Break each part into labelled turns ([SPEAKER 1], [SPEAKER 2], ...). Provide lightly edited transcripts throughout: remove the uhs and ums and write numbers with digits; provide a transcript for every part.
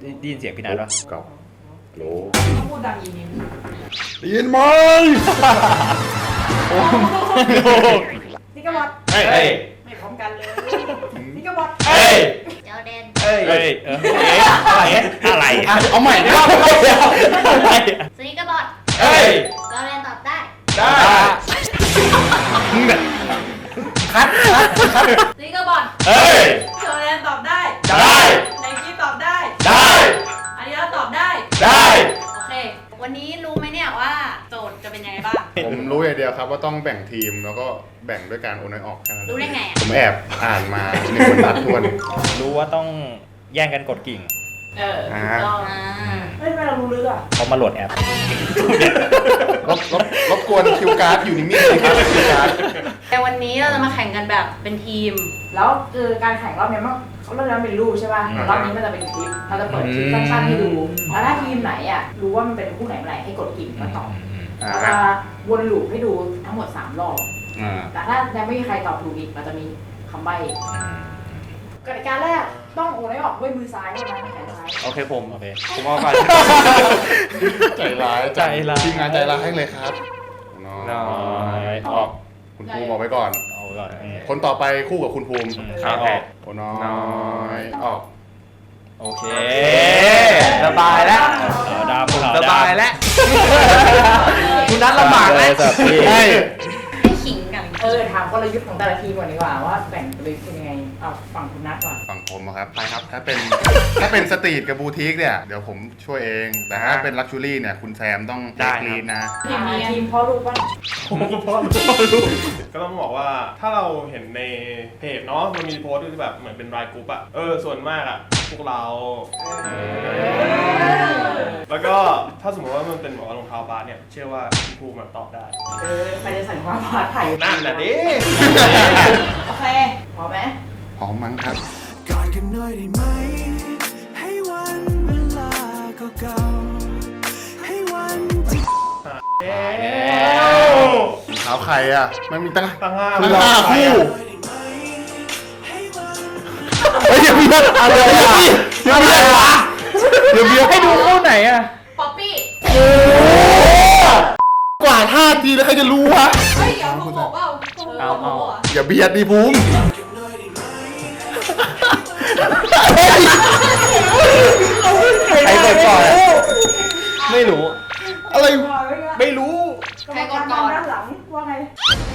[SPEAKER 1] ได้ยินเสียงพี่นัทปะ
[SPEAKER 2] กับโล
[SPEAKER 3] ต้องพูดดังอีกนิดนึง
[SPEAKER 2] ได้ยินไหม
[SPEAKER 3] นี่ก็บอด
[SPEAKER 1] เฮ้ย
[SPEAKER 3] ไม่พร้อมกันเลยนี่ก็บอด
[SPEAKER 1] เฮ้ย
[SPEAKER 3] เจ้าเดน
[SPEAKER 1] เฮ้ยอะไร
[SPEAKER 2] เอาใหม่ดิ
[SPEAKER 3] ซีก็บอด
[SPEAKER 1] เฮ้ย
[SPEAKER 3] เจ้าเดนตอบได้
[SPEAKER 1] ได้มึงแบบ
[SPEAKER 2] คัด
[SPEAKER 3] ซีก็บอด
[SPEAKER 1] เฮ้ย
[SPEAKER 3] เจ้าเดนตอบได้
[SPEAKER 1] ได้
[SPEAKER 3] ไนกี้ตอบได้
[SPEAKER 1] ได้
[SPEAKER 3] อันนี้เราตอบได้
[SPEAKER 1] ได้
[SPEAKER 3] โอเค วันนี้รู้ไหมเนี่ยว่าโจทย์จะเป็นยังไงบ้าง
[SPEAKER 2] ผมรู้อย่างเดียวครับว่าต้องแบ่งทีมแล้วก็แบ่งด้วยการโอนน้อยออกแค่นั้น
[SPEAKER 3] รู้ได้ไงอ่ะ
[SPEAKER 2] ผมแอบอ่านมา1 บรรทัดทวน
[SPEAKER 1] รู้ว่าต้องแย่งกันกดกิ่ง
[SPEAKER 3] ถูกต้องเฮ้ยทำไมเรารู้ลึกอ่ะ
[SPEAKER 1] เขามาโหลดแอป
[SPEAKER 2] รบกวนคิวการ์ดอยู่นิ่งๆเลยครับคิวการ์ด
[SPEAKER 3] แต่วันนี้เราจะมาแข่งกันแบบเป็นทีม
[SPEAKER 4] แล้วคือการแข่งรอบเนี้ยมันเขาเริ่มเป็นรูปใช่ป่ะรอบนี้มันจะเป็นคลิปเราจะเปิดคลิปสั้นๆให้ดูแล้วถ้าทีมไหนอ่ะรู้ว่ามันเป็นคู่ไหนเมื่อไหร่ให้กดกิ่งมาตอบเราจะวนลูปให้ดูทั้งหมด3 รอบแต่ถ้ายังไม่มีใครตอบถูกอีกเราจะมีคำใบ้กติกาแรกต้องโอนให้ออกด้วยมือซ้ายเท่านั้นแขนซ้าย
[SPEAKER 5] โอเคผม
[SPEAKER 1] โอเค
[SPEAKER 5] ผมเอาก่อน
[SPEAKER 2] ใจร้าย
[SPEAKER 1] ใจร้าย
[SPEAKER 2] ทีมงานใจร้ายให้เลยครับน้อยออกคุณภูมิบอกไว้ก่อน
[SPEAKER 1] เอาก่อน
[SPEAKER 2] คนต่อไปคู่กับคุณภูมิ
[SPEAKER 1] ครับ
[SPEAKER 2] โอ้น้อยออก
[SPEAKER 1] โอเค
[SPEAKER 5] สบายแล้ว
[SPEAKER 1] ดาว
[SPEAKER 5] สบายแล้วคุณนัทลำบากแล้ว
[SPEAKER 1] สับพี่
[SPEAKER 2] ใช่
[SPEAKER 3] ให้ขิงกัน
[SPEAKER 4] ถามกลยุทธ์ของแต่ละทีมก่อนดีกว่าว่าแบ่งกลยุทธ์เป็นยังไงเอาฝั่งคุณนัทก่อน
[SPEAKER 2] ฝั่งผมอะครับไปครับ ถ้าเป็นสตรีทกับบูติกเนี่ยเดี๋ยวผมช่วยเอง แต่ถ้าเป็นลักชูรี่เนี่ยคุณแซมต้องแจ็คลีดนะ
[SPEAKER 4] ทีมพ่อลูกบ้าง
[SPEAKER 6] ก็ต้องบอกว่าถ้าเราเห็นในเพจเนาะมันมีโพสต์ที่แบบเหมือนเป็นรายกรุ๊ปอะส่วนมากอะพวกเรา แล้วก็ถ้าสมมติว่ามันเป็นบอกว่ารองเท้าบาสเนี่ยเชื่อว่าพี่ภูมิตอบได้
[SPEAKER 4] ใครจะใส่ความผาดไผ่
[SPEAKER 6] นั่นแหละดิ
[SPEAKER 4] โอเคพอไหม
[SPEAKER 2] พร้อมมั้งครับ
[SPEAKER 7] กอดกันหน่อยได้ไหม ให้วันเวลาเก่าๆให้วันที่
[SPEAKER 2] เท้าใครอ่ะมันมีตั้ง
[SPEAKER 6] ตั้งห้า
[SPEAKER 2] ตั้งห้าคู่
[SPEAKER 7] ให้วัน
[SPEAKER 2] เฮ้ยอย่าเบียดอะไรอ่ะอย่าเบียดวะอย่าเบียดให้ดูคู่ไหนอ่ะ
[SPEAKER 3] ป๊อปปี้
[SPEAKER 2] กว่าท่าทีแล้วใครจะรู้วะ
[SPEAKER 3] เฮ้ยอย่าพูดบอกว่า
[SPEAKER 5] เอา
[SPEAKER 2] อย่าเบียดดิภูมิ
[SPEAKER 5] ใครกดก่อนอะไม่รู้
[SPEAKER 2] อะไร
[SPEAKER 5] ไม่รู้
[SPEAKER 3] ใครกดก่อน
[SPEAKER 4] ด้านหลังว่าไง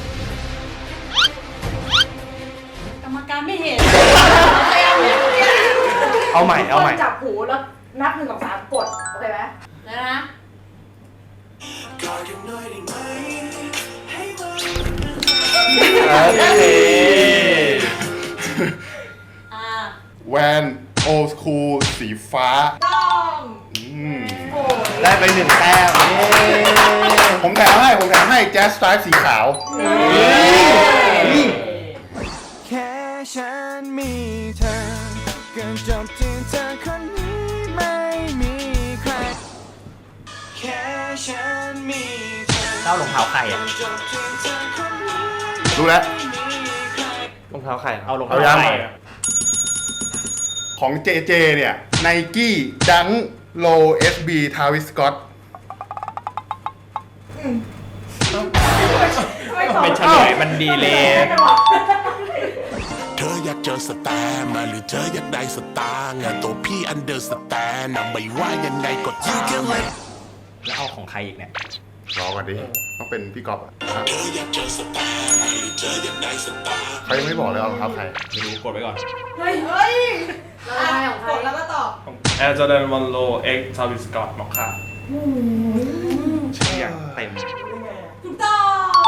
[SPEAKER 3] กรรมการไม่เห็น
[SPEAKER 5] เอาใหม่เอาใหม่
[SPEAKER 4] จับหูแล้วนับ1 2 3กดโอเคไหม
[SPEAKER 3] แล้วนะ
[SPEAKER 7] กอดกันหน่อยได้ไหมให้วัน
[SPEAKER 5] โอเค
[SPEAKER 2] แวนโอสคูลสีฟ้า
[SPEAKER 3] ต้อง
[SPEAKER 5] ได้ไป1 แต้ม
[SPEAKER 2] ผมแถมให้แจ๊สสไตล์สีขาว
[SPEAKER 7] แค่ฉันมีเธอกันจบที่เธอคนนี้ไม่มีใครแค่ฉันมีเธอ
[SPEAKER 1] เต้ารองเท้าใครอ่ะ
[SPEAKER 7] จบที่เธอคนนี้
[SPEAKER 2] รู้แล้ว
[SPEAKER 7] ไม่มีใคร
[SPEAKER 5] รองเท้าใคร
[SPEAKER 1] เอารอง
[SPEAKER 2] เอา
[SPEAKER 1] เท้า
[SPEAKER 2] ยัง
[SPEAKER 1] ใคร
[SPEAKER 2] ของ JJ เนี่ย Nike Dunk Low SB Travis Scott
[SPEAKER 1] เป็นเฉลยมันดีเลย
[SPEAKER 8] เธออยากเจอสแตมมาหรือเธออยากได้สตางค์อะตัวพี่อันเดอร์สแตนนะไม่ว่ายังไงก็ตาม
[SPEAKER 1] แล้วเอาของใครอีกเนี่ย
[SPEAKER 2] รอก่อนดิ ต้องเป็นพี่ก๊อฟอะ
[SPEAKER 8] เธออยากเจอสแตมมาหรือเธออยากได้สตางค์
[SPEAKER 2] เขายังไม่บอกเลยเอารองเท้าใคร
[SPEAKER 6] ไม่รู้กดไว้ก่อน
[SPEAKER 3] เราได้ของใครแล้วก็ตอบ
[SPEAKER 6] แอร์จอร์แดนวันโลเอ็กซ์ทาวิสกอตมอคค่า
[SPEAKER 5] ชื่ออย่างเต็ม
[SPEAKER 3] ถูกต้อง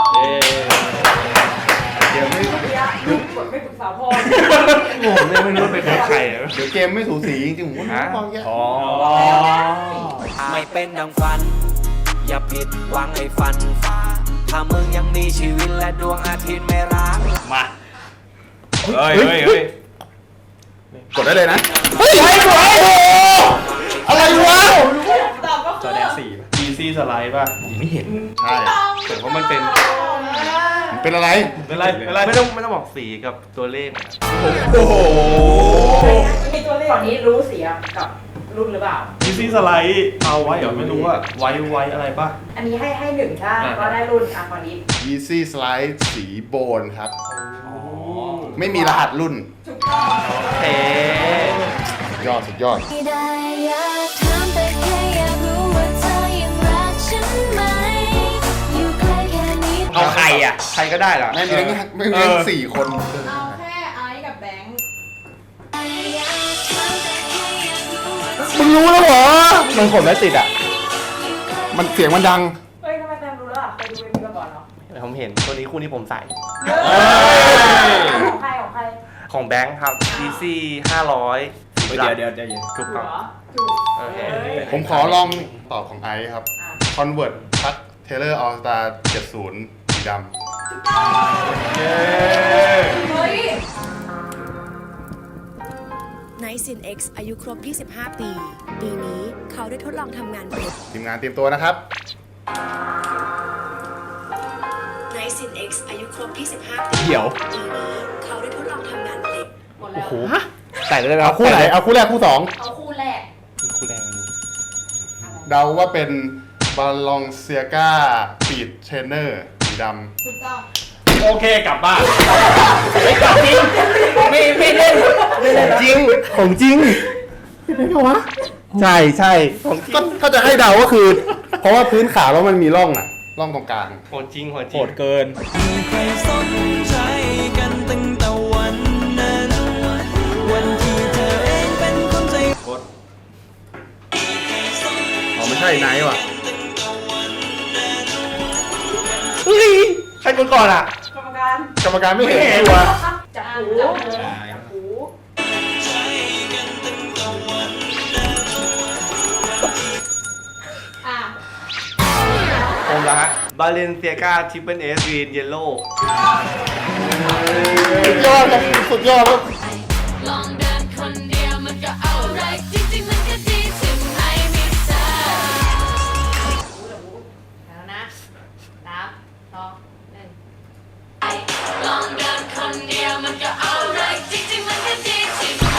[SPEAKER 2] เดี๋ยวไม่
[SPEAKER 4] กดไม่ปรึกษาพ่อ
[SPEAKER 5] ผมเนี่ยไม่รู้เป็นของใครอะ
[SPEAKER 2] เดี๋ยวเกมไม่สูสีจริงๆผมว่าต้องแยก
[SPEAKER 5] อ๋อ
[SPEAKER 9] ไม่เป็นดังฝัน อย่าผิดหวังให้ฝันฟ้า ถ้ามึงยังมีชีวิตและดวงอาทิตย์ไม่รัก
[SPEAKER 1] มาเฮ้ย
[SPEAKER 2] กดได้เลยนะ เฮ้ยอะไรวะ
[SPEAKER 3] ตอบก็
[SPEAKER 1] จ
[SPEAKER 3] คือ
[SPEAKER 1] อแดน4ป่ะ
[SPEAKER 6] อีซี่สไลด์ป่ะ
[SPEAKER 1] ผมไม่เห็น
[SPEAKER 2] ใช่
[SPEAKER 5] แต่ว่ามันเป็น
[SPEAKER 2] มันเป็นอะไร
[SPEAKER 6] เป็นไรเป็นไร
[SPEAKER 5] ไม่ต้องบอกสีกับตัวเลข
[SPEAKER 2] โอ้โห
[SPEAKER 4] มีตัวเลขฝั่งนี้รู้เสียกับรุ่นหรือเปล่า
[SPEAKER 6] อีซี่สไลด์เอาไว้เหรอไม่รู้อะไว้อะไรป่ะ
[SPEAKER 4] อันนี้ให้หนึ่งใช่ก็ได้รุ่นอ่ะตอนนี้
[SPEAKER 2] Easy Slide สีโบนครับ ไม่มีรหัสรุ่น
[SPEAKER 4] ถูกต้อง
[SPEAKER 5] เอ๊
[SPEAKER 2] สุดยอด
[SPEAKER 10] ไม่ได้อยากถามแต่แค่อยากรู้ว่าเธอยังรักฉันไหมอยู่ใกล้แค่นี้
[SPEAKER 1] เอาใครอ่ะ
[SPEAKER 5] ใครก็ได้เหรอ
[SPEAKER 2] ไม่มีทั้งไม่มีทั้งสี่คน
[SPEAKER 3] เอาแค่ไอซ์กับแบงค์
[SPEAKER 10] อยากถามแต่แค่อยากรู้ว่าเธอ
[SPEAKER 5] มึงรู้แล้วเหรอ มันขนไม่ติดอ่ะ
[SPEAKER 2] มันเสียงมันดัง
[SPEAKER 4] เฮ้ยทำไมแซมรู้แล้วเคยดูเอ็มวีมาก่อนเหรอ
[SPEAKER 5] ผมเห็นตัวนี้คู่นี้ผมใส่
[SPEAKER 4] ของใครของใคร
[SPEAKER 5] ของแบงค์ครับ Easy 500
[SPEAKER 1] เดี๋ยว
[SPEAKER 5] ถูก
[SPEAKER 4] ถูก
[SPEAKER 5] ต้อง
[SPEAKER 4] เหรอถูก
[SPEAKER 5] โอเค
[SPEAKER 2] ผมขอลองตอบของไอซ์ครับ Convert พัด Taylor All Star 70 สีดำ
[SPEAKER 4] เฮ้ย
[SPEAKER 10] Nice X อายุครบ 25 ปี ปีนี้เขาได้ทดลองทำงานเพชร
[SPEAKER 2] ทีมงานเตรียมตัวนะครับ
[SPEAKER 10] Nice X อายุครบ 25 ปี
[SPEAKER 1] เดี๋ยว
[SPEAKER 10] ปีนี้เขาได้ทดลองทำงานเพชร
[SPEAKER 4] หมดแล้ว
[SPEAKER 5] โอ้โหใส่ได้ไหม
[SPEAKER 2] เอาคู่ไหน เอาคู่แรกคู่สอง
[SPEAKER 4] เอาคู่แรก
[SPEAKER 5] คู่แรก
[SPEAKER 2] เดาว่าเป็น Balenciaga Speed Trainer สีดำ
[SPEAKER 4] ถูกต้อง
[SPEAKER 1] โอเคกลับบ้านไม่กลับจริงไม่เล่น
[SPEAKER 5] จริง ของจริงใช่ใช่ของจริง
[SPEAKER 2] ก็ถ้าจะให้เดาก็คือ เพราะว่าพื้นขาแล้วมันมีร่องอ่ะ ร่องตรงกลาง
[SPEAKER 5] ของจริงของจ
[SPEAKER 1] โห
[SPEAKER 5] ริง
[SPEAKER 1] ดเกิน
[SPEAKER 7] ใครสนใจกันตั้งแต่วันนั้น วันที่เธอเองเป็นคนใจ
[SPEAKER 2] อ๋อไม่ใช่ไนท์ว่ะ
[SPEAKER 5] เฮ้ยใครคนก่อนอ่ะ
[SPEAKER 4] กรรมการ
[SPEAKER 2] กรรมการไม่เห็นตัว
[SPEAKER 4] จับหู จับหู
[SPEAKER 3] อ่ะ
[SPEAKER 5] ผมละฮะ Balenciaga Triple S Green Yellow
[SPEAKER 2] สุดยอดครับสุดยอดครับ
[SPEAKER 10] ลองเดินคนเดียวมันก็เอาไรจริงๆมันก็ดีถึงไม่มีเธอ
[SPEAKER 3] แล้วนะนับสองหนึ่ง
[SPEAKER 10] ลองเดินคนเดียวมันก็เอาไรจริงๆมันก็ดีถึงไม่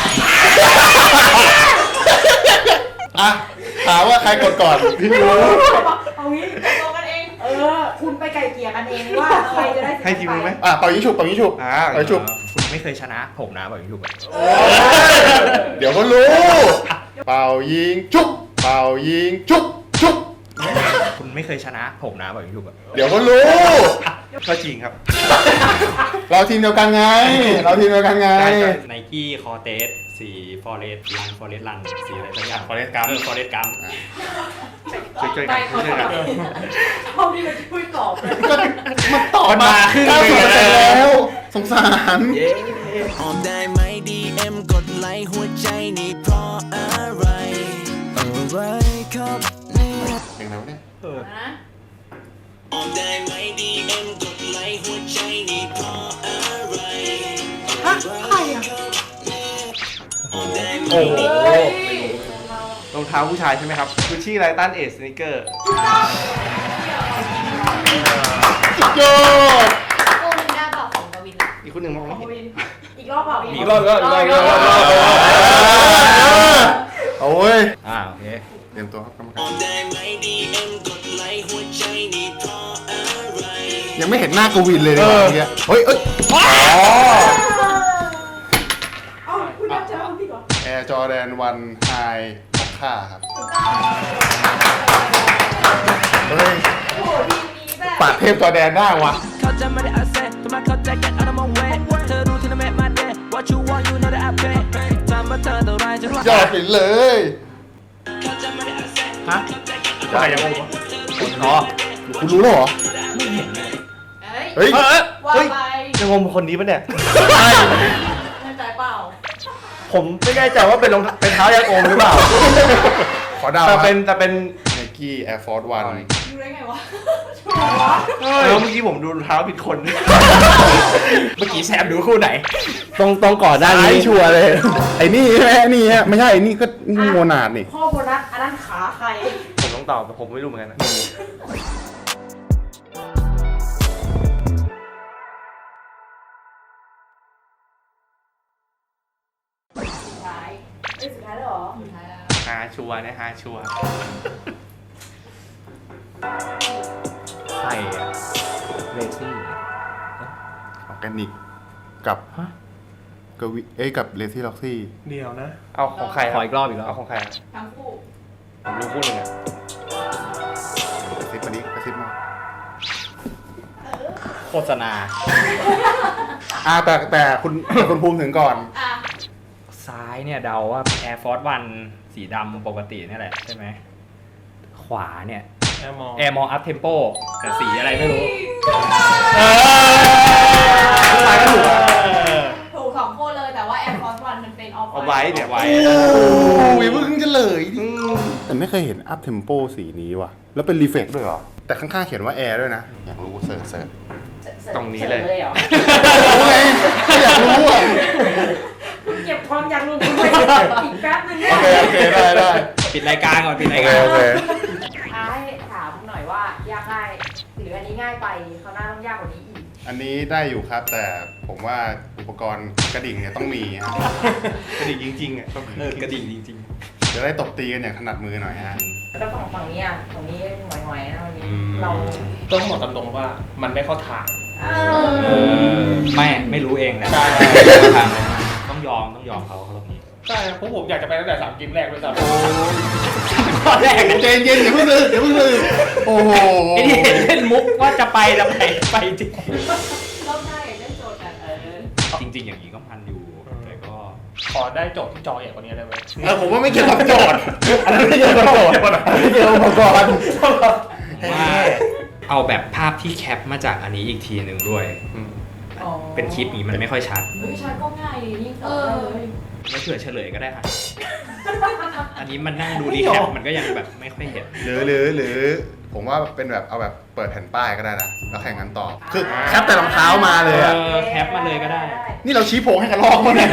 [SPEAKER 2] อ่ะ ถามว่าใครกดก่อน พี่รู้
[SPEAKER 4] เอางี้ตกกันเอง คุณไปไก่เกลี่ยกันเองว่าใครจะได้
[SPEAKER 5] ให้ทีมรู้ไหม
[SPEAKER 2] อ่ะเป่ายิงฉุบเป่ายิงฉุบ
[SPEAKER 5] อ่า
[SPEAKER 2] เป่ายิงฉุบ
[SPEAKER 1] คุณไม่เคยชนะผมนะบอกอย่างถูก
[SPEAKER 2] เดี๋ยวก็รู้ เป่ายิงฉุบเป่ายิงฉุบฉุบ
[SPEAKER 1] คุณไม่เคยชนะผมนะบอกอย่างถูก
[SPEAKER 2] เดี๋ยวก็รู้
[SPEAKER 5] ก็จริงครับ
[SPEAKER 2] เราทีมเดียวกันไง เราทีมเดียวกันไง
[SPEAKER 1] ไนกี้คอเตสสีฟอเรสรันสีอะไรสักอย่างฟอเรสกัมฟอเรสกัม
[SPEAKER 5] ช่วยกันช่วยกัน
[SPEAKER 4] เขาที่จะช่วยตอบเลย
[SPEAKER 2] ก็มันตอบมาครึ่ง
[SPEAKER 5] หนึ่ง
[SPEAKER 2] แล้ว สงสาร
[SPEAKER 7] ออมได้ไหม DM กดไลค์หัวใจนี่เพราะอะไร อะไรครับเนี่ย
[SPEAKER 2] เพลงอะไรวะเนี่ย
[SPEAKER 3] นะ
[SPEAKER 7] ออมได้ไหม DM กดไลค์หัวใจนี่เพราะอะไรอะไรครับออมได้ไหม
[SPEAKER 5] โอ้โหรองเท้าผู้ชายใช่ไหมครับกุชชี่ไลตันเอสสนิเกอร์
[SPEAKER 2] สุดยอด
[SPEAKER 3] โอ้มินด้าบอกของกวินละ
[SPEAKER 5] อีกคนหนึ่งมองไม่
[SPEAKER 4] เอา
[SPEAKER 5] เห็น
[SPEAKER 4] วินอีกรอบเปล่า
[SPEAKER 1] อีกรอบก็
[SPEAKER 2] โอ้ย
[SPEAKER 1] โอเค
[SPEAKER 2] เตรียมตัวครับกรรม
[SPEAKER 7] อ
[SPEAKER 2] การ
[SPEAKER 7] อมได้ไหม DM กดไลค์หัวใจนี่เพราะอะไร
[SPEAKER 2] ยังไม่เห็นหน้ากวินเลยเนี่ยเมื่อกี้เฮ้ย
[SPEAKER 4] เอ้าคุณนับจะเอาพี่ก่อน
[SPEAKER 2] แอร์จอแดนวันไฮมอคค่าครับ เฮ้ย
[SPEAKER 3] โอ้โหทีมนี้แบบ
[SPEAKER 2] ปาดเทพจอแดนได้วะ
[SPEAKER 7] เขาจะไม่ได้อาเซ่ทำไมเขาจะ get out of my way เธอรู้ที่นั่น make my day what you want you know that I pay ทำมาเธอเท่าไรฉันว่าย
[SPEAKER 2] อดไปเลย
[SPEAKER 7] เขาจะไม่ได้อาเซ่
[SPEAKER 1] ฮะใครยังงงอ๋อ
[SPEAKER 2] คุณรู้แล้วเหรอ
[SPEAKER 3] เฮ้ย
[SPEAKER 2] เฮ้ย
[SPEAKER 3] ว่า
[SPEAKER 5] เฮ้ย
[SPEAKER 3] ไป
[SPEAKER 5] จะงงคนนี้ปะเนี่ย
[SPEAKER 3] แน่ใจเปล่า
[SPEAKER 5] ผมไม่แน่ใจว่าเป็นรองเป็นเท้ายางโอมหรือเปล่า
[SPEAKER 2] ขอเดา
[SPEAKER 5] แต่เป็น
[SPEAKER 2] ไนกี้แอร์ฟอร์สวัน
[SPEAKER 3] ดูได้ไงวะ
[SPEAKER 5] แล้วเมื่อกี้ผมดูรองเท้าผิดคน
[SPEAKER 1] เมื่อกี้แซมดูคู่ไหน
[SPEAKER 5] ต้องก่อนหน้านี้
[SPEAKER 2] ชัวร์เลย ไอ้นี่ใช่ไหมนี่ฮะไม่ใช่ไอ้นี่ก็นี่โมนาดนี่
[SPEAKER 4] ข้อโบนัสอันนั้นขาใคร
[SPEAKER 5] ผมต้องตอบแต่ผมไม่รู้เหมือนกันนะ
[SPEAKER 4] สุดท้ายสุดท้ายแล้วเหรอ
[SPEAKER 3] สุดท้ายแล้ว
[SPEAKER 5] หาชัวร์นะหาชัวร์ใครอะเรซี่
[SPEAKER 2] ออร์แกนิกกับกวิกับเลซี่ล็อกซี่
[SPEAKER 6] เดียวนะ
[SPEAKER 5] เอาของใคร
[SPEAKER 1] ขออีกรอบอีกรอบ
[SPEAKER 5] เอาของใครอะ
[SPEAKER 4] ทั้งคู่
[SPEAKER 5] ผมรู้คู่หนึ่งอะ
[SPEAKER 2] กระซิบมาดิกระซิบมา
[SPEAKER 1] โฆษณา
[SPEAKER 2] แต่คุณภูมิถึงก่อน
[SPEAKER 3] อ่ะ
[SPEAKER 1] ซ้ายเนี่ยเดาว่า Air Force One สีดำปกตินี่แหละใช่ไหม ขวาเนี่ย Air More Up Tempo แต่สีอะไรไม่รู้
[SPEAKER 5] ใครก็ถูกอะ
[SPEAKER 3] ถูกสองคนเลยแต่ว่า Air Force One มันเป็นออฟ
[SPEAKER 5] เอาไว้เดี๋ยวไว้
[SPEAKER 2] โอ้ยเพิ่งจะเลยแต่ไม่เคยเห็นอัพเทมโปสีนี้ว่ะ แล้วเป็นรีเฟกด้วยเหรอ แต่ข้างๆเขียนว่าแอร์ด้วยนะ อยากรู้เสิร์ช
[SPEAKER 5] ตรงนี้เลย
[SPEAKER 4] เหรอ
[SPEAKER 2] รู้ไงอยากรู้อ่ะ
[SPEAKER 4] เก็บความอยากรู้คุณไปอีกแป๊บนึงเนี่ย
[SPEAKER 2] โอเคได้
[SPEAKER 1] ปิดรายการก่อนปิด
[SPEAKER 2] โอ
[SPEAKER 1] ราย
[SPEAKER 2] เค
[SPEAKER 1] การ
[SPEAKER 2] โอเค
[SPEAKER 4] ให้ถามหน่อยว่ายากง่ายหรืออันนี้ง่ายไปเขาวหน่าต้องยากกว่านี้อีก
[SPEAKER 2] อันนี้ได้อยู่ครับ แต่ผมว่าอุปกรณ์กระดิ่งเนี่ยต้องมีฮะ
[SPEAKER 5] กระดิ่งจริงๆอ่ะ
[SPEAKER 1] กระดิ่งจริง
[SPEAKER 2] จะได้ตบตีกันอย่างถนัดมือหน่อยฮะ
[SPEAKER 4] แล้วฝั่งนี้อ่ะฝั่งนี้หน่อยๆนะวันนี้เรา
[SPEAKER 6] ต้องบอกตามตรงว่ามันไม่เข้าทาง
[SPEAKER 1] ไม่รู้เองแหละ
[SPEAKER 6] ใช่
[SPEAKER 1] ต้องยอมเขารอบนี้
[SPEAKER 6] ใช่เพราะผมอยากจะไปตั้งแต่3 เกมแรกด้วยซ้ำ
[SPEAKER 1] ข้อแรก
[SPEAKER 2] ใจเย็นอย่าเพิ่งลืมโอ้โห
[SPEAKER 1] ไอ้ที่เห็นเล่นมุกว่าจะไปแล้วไปจริง
[SPEAKER 3] รอบหน้าอยากได้โจทย์แบบ
[SPEAKER 1] จริง ๆ อย่างนี้ก็พันอยู่แต่ก็
[SPEAKER 6] ขอได้โจทย์ที่จอใหญ่กว่านี้ได้ไหม
[SPEAKER 2] ผมว่าไม่เกี่ยวกับโจทย์อันนั้นไม่เกี่ยวกับโจทย์อันนั้นไม่เกี่ยวกับอุปกรณ์
[SPEAKER 1] ว่าเอาแบบภาพที่แคปมาจากอันนี้อีกทีหนึ่งด้วย เป็นคลิปนี้มันไม่ค่อยชัด
[SPEAKER 4] เฮ้ยใช่ก็ง่ายยิ่งเออ
[SPEAKER 1] ไม่เผื่อเฉลยก็ได้ค่ะ อันนี้มันนั่งดูรีแคปมันก็ยังแบบไม่ค่อยเห็น
[SPEAKER 2] หรือผมว่าเป็นแบบเอาแบบเปิดแผ่นป้ายก็ได้นะแล้วแข่งกันต่อคือแคปแต่รองเท้ามาเลยอะ
[SPEAKER 1] แคปมาเลยก็ได้
[SPEAKER 2] นี่เราชี้โพงให้กันลอกมั้งเนี่ย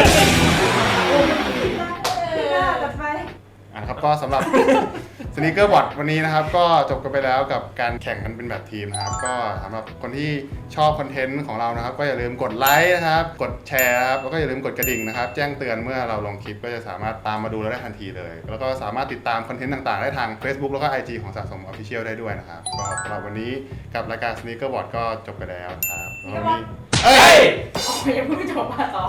[SPEAKER 4] จัดไป
[SPEAKER 2] ครับก็สำหรับ สนีกเกอร์บอทวันนี้นะครับก็จบกันไปแล้วกับการแข่งกันเป็นแบบทีมนะครับก็สำหรับคนที่ชอบคอนเทนต์ของเรานะครับก็อย่าลืมกดไลค์นะครับกดแชร์ครับแล้วก็อย่าลืมกดกระดิ่งนะครับแจ้งเตือนเมื่อเราลงคลิปก็จะสามารถตามมาดูเราได้ทันทีเลยแล้วก็สามารถติดตามคอนเทนต์ต่างๆได้ทาง Facebook แล้วก็ IG ของสะสม Official ได้ด้วยนะครับก็สำหรับวันนี้กับรายการ Sneaker Bot ก็จบไปแล้วครับแล้ววันนี้
[SPEAKER 4] ยังพูดไม่จบอ่ะต่อ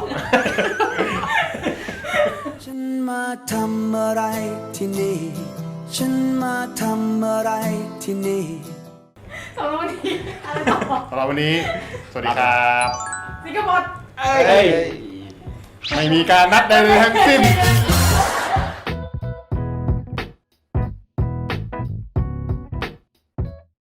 [SPEAKER 7] ฉันมาทำอะไรที่นี่ ฉันมาทำอะไรที่นี่
[SPEAKER 4] สำหรับวันนี้อะไรต่อ
[SPEAKER 2] สำหรับวันนี้สวัสดีครับ
[SPEAKER 4] ซิกเกอร์บอท
[SPEAKER 2] ไม่มีการนัดใดๆทั้งสิ้น